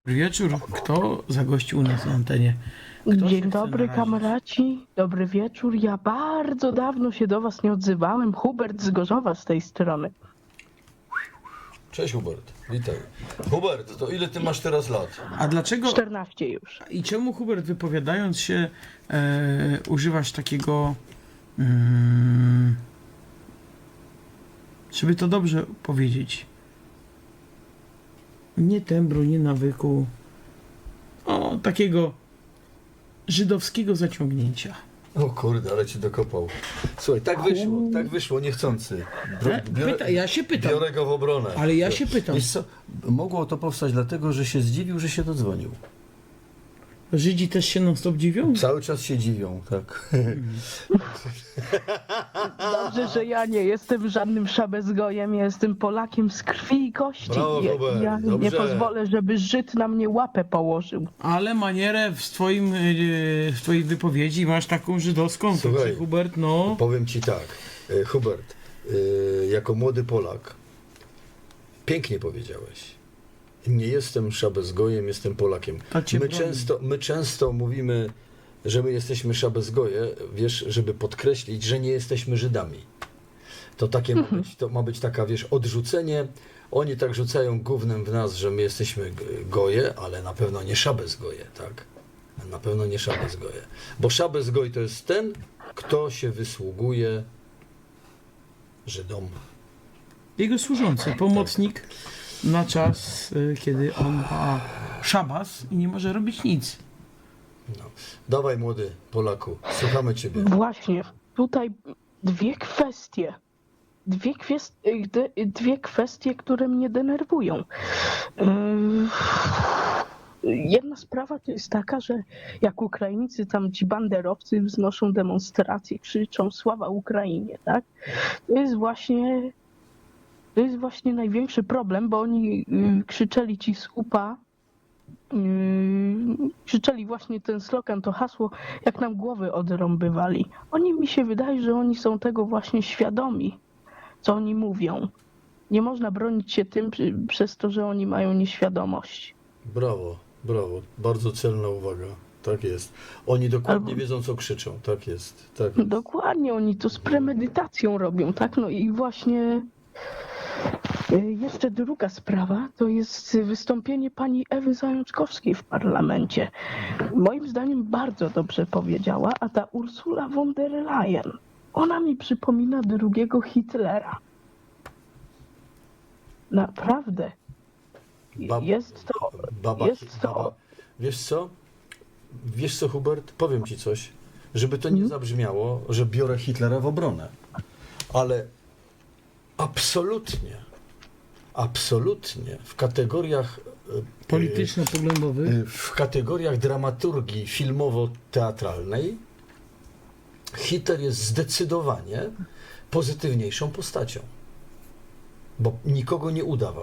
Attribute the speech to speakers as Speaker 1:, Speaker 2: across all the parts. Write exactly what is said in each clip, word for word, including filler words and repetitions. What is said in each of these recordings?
Speaker 1: Wieczór. Kto zagościł u nas na antenie? Kto się
Speaker 2: Dzień
Speaker 1: chce
Speaker 2: dobry,
Speaker 1: narazić?
Speaker 2: kamraci. Dobry wieczór. Ja bardzo dawno się do was nie odzywałem. Hubert z Gorzowa z tej strony.
Speaker 3: Cześć Hubert, witaj. Hubert, to ile ty masz teraz lat?
Speaker 1: A dlaczego
Speaker 2: czternaście już.
Speaker 1: i czemu, Hubert, wypowiadając się, e, używasz takiego, mm, żeby to dobrze powiedzieć, nie tembru, nie nawyku, o takiego żydowskiego zaciągnięcia.
Speaker 3: O kurde, ale cię dokopał. Słuchaj, tak wyszło, tak wyszło, niechcący.
Speaker 1: E, pyta, ja się pytam,
Speaker 3: biorę go w obronę.
Speaker 1: ale ja się pytam.
Speaker 3: Wiesz co, mogło to powstać dlatego, że się zdziwił, że się dodzwonił.
Speaker 1: Żydzi też się non stop dziwią?
Speaker 3: Cały czas się dziwią, tak.
Speaker 2: Dobrze, że ja nie jestem żadnym szabezgojem. Ja jestem Polakiem z krwi i kości.
Speaker 3: Brawo,
Speaker 2: Ja,
Speaker 3: Hubert,
Speaker 2: ja nie
Speaker 3: dobrze.
Speaker 2: pozwolę, żeby Żyd na mnie łapę położył.
Speaker 1: Ale manierę w twoim, e, w twojej wypowiedzi masz taką żydowską,
Speaker 3: Słuchaj,
Speaker 1: także, Hubert, no.
Speaker 3: Powiem ci tak, e, Hubert, e, jako młody Polak, pięknie powiedziałeś. Nie jestem szabezgojem, jestem Polakiem.
Speaker 1: To cię
Speaker 3: My
Speaker 1: broni.
Speaker 3: często, my często mówimy, że my jesteśmy szabezgoje, wiesz, żeby podkreślić, że nie jesteśmy Żydami. To takie ma być, to ma być taka, wiesz, odrzucenie. Oni tak rzucają gównem w nas, że my jesteśmy g- goje, ale na pewno nie szabezgoje, tak? Na pewno nie szabezgoje. Bo szabezgoj to jest ten, kto się wysługuje Żydom.
Speaker 1: Jego służący, pomocnik na czas, y, kiedy on ma szabas i nie może robić nic.
Speaker 3: No. Dawaj, młody Polaku, słuchamy ciebie.
Speaker 2: Właśnie, tutaj dwie kwestie. Dwie, kwest... d- dwie kwestie, które mnie denerwują. Yy, Jedna sprawa to jest taka, że jak Ukraińcy, tam ci banderowcy wznoszą demonstracje, krzyczą sława Ukrainie, tak? To jest właśnie, to jest właśnie największy problem, bo oni yy, krzyczeli ci z U P A, Yy, krzyczeli właśnie ten slogan, to hasło, jak nam głowy odrąbywali. Oni, mi się wydaje, że oni są tego właśnie świadomi, co oni mówią. Nie można bronić się tym przy- przez to, że oni mają nieświadomość.
Speaker 3: Brawo, brawo, bardzo celna uwaga. Tak jest. Oni dokładnie
Speaker 2: Albo-
Speaker 3: wiedzą, co krzyczą. Tak jest, tak jest.
Speaker 2: Dokładnie, oni to z premedytacją robią, tak? No i właśnie yy, jeszcze druga sprawa, to jest wystąpienie pani Ewy Zajączkowskiej w parlamencie. Moim zdaniem bardzo dobrze powiedziała, a ta Ursula von der Leyen, ona mi przypomina drugiego Hitlera. Naprawdę.
Speaker 3: Bab-
Speaker 2: Jest to...
Speaker 3: Baba,
Speaker 2: jest to-
Speaker 3: baba. Wiesz co? Wiesz co, Hubert? Powiem ci coś, żeby to nie zabrzmiało, że biorę Hitlera w obronę. Ale absolutnie, absolutnie w kategoriach e,
Speaker 1: Polityczno-poglądowy.
Speaker 3: e, w kategoriach dramaturgii filmowo-teatralnej Hitler jest zdecydowanie pozytywniejszą postacią, bo nikogo nie udawał.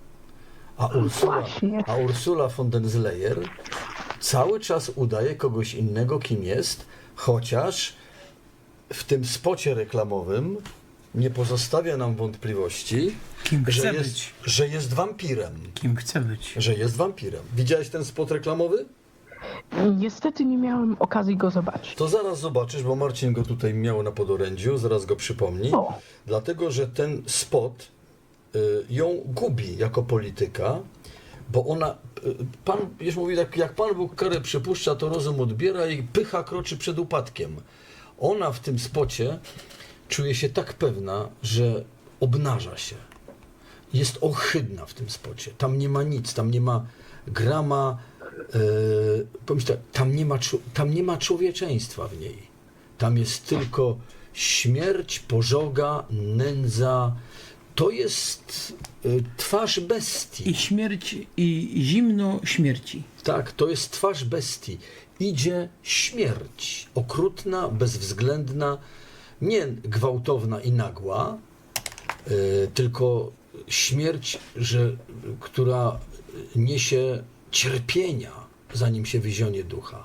Speaker 3: A Ursula,
Speaker 2: Właśnie.
Speaker 3: a Ursula von der Leyen cały czas udaje kogoś innego, kim jest, chociaż w tym spocie reklamowym nie pozostawia nam wątpliwości,
Speaker 1: Kim
Speaker 3: że
Speaker 1: chce
Speaker 3: jest,
Speaker 1: być.
Speaker 3: że jest wampirem.
Speaker 1: Kim chce być.
Speaker 3: Że jest wampirem. Widziałeś ten spot reklamowy?
Speaker 2: Niestety nie miałem okazji go zobaczyć.
Speaker 3: To zaraz zobaczysz, bo Marcin go tutaj miał na podorędziu, zaraz go przypomni.
Speaker 2: O.
Speaker 3: Dlatego, że ten spot y, ją gubi jako polityka, bo ona, y, pan już mówi tak, jak Pan Bóg karę przypuszcza, to rozum odbiera i pycha kroczy przed upadkiem. Ona w tym spocie czuje się tak pewna, że obnaża się. Jest ohydna w tym spocie. Tam nie ma nic, tam nie ma grama, yy, powiem ci tak, tam nie ma, czu- tam nie ma człowieczeństwa w niej. Tam jest tylko śmierć, pożoga, nędza. To jest y, twarz bestii.
Speaker 1: I śmierć, i zimno śmierci.
Speaker 3: Tak, to jest twarz bestii. Idzie śmierć, okrutna, bezwzględna, nie gwałtowna i nagła, y, tylko śmierć, że, która niesie cierpienia, zanim się wyzionie ducha.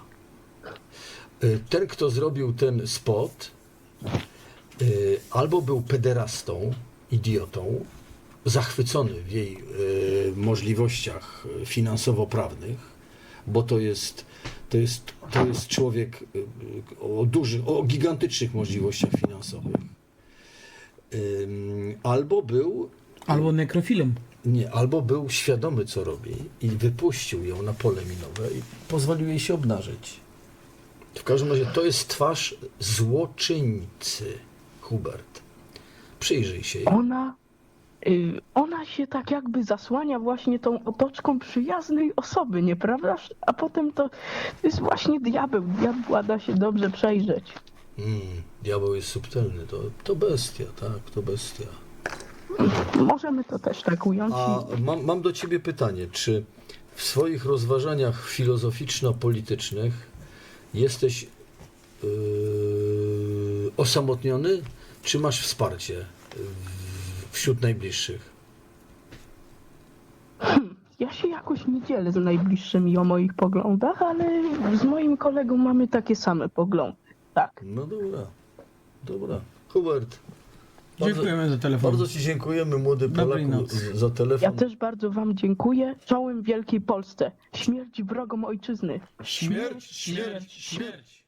Speaker 3: Y, ten, kto zrobił ten spot, y, albo był pederastą, idiotą, zachwycony w jej y, możliwościach finansowo-prawnych, bo to jest, to jest, to jest człowiek y, o dużych, o gigantycznych możliwościach finansowych. Ym, albo był
Speaker 1: Albo nekrofilem.
Speaker 3: nie, albo był świadomy, co robi i wypuścił ją na pole minowe i pozwolił jej się obnażyć. W każdym razie to jest twarz złoczyńcy, Hubert. Przyjrzyj się jej.
Speaker 2: Ona, y, ona się tak jakby zasłania właśnie tą otoczką przyjaznej osoby, nieprawdaż? A potem to, to jest właśnie diabeł. Diabła da się dobrze przejrzeć.
Speaker 3: Mm, diabeł jest subtelny, to, to bestia, tak, to bestia.
Speaker 2: Możemy to też tak ująć.
Speaker 3: A mam, mam do ciebie pytanie, czy w swoich rozważaniach filozoficzno-politycznych jesteś yy, osamotniony, czy masz wsparcie w- wśród najbliższych?
Speaker 2: Ja się jakoś nie dzielę z najbliższymi o moich poglądach, ale z moim kolegą mamy takie same poglądy. Tak.
Speaker 3: No dobra, dobra. Hubert, bardzo,
Speaker 1: Dziękujemy za telefon.
Speaker 3: bardzo ci dziękujemy, młody
Speaker 1: Dobrej
Speaker 3: Polaku,
Speaker 1: nocy.
Speaker 3: z- za telefon.
Speaker 2: Ja też bardzo wam dziękuję. Czołem Wielkiej Polsce. Śmierć wrogom ojczyzny.
Speaker 1: Śmierć, śmierć, śmierć.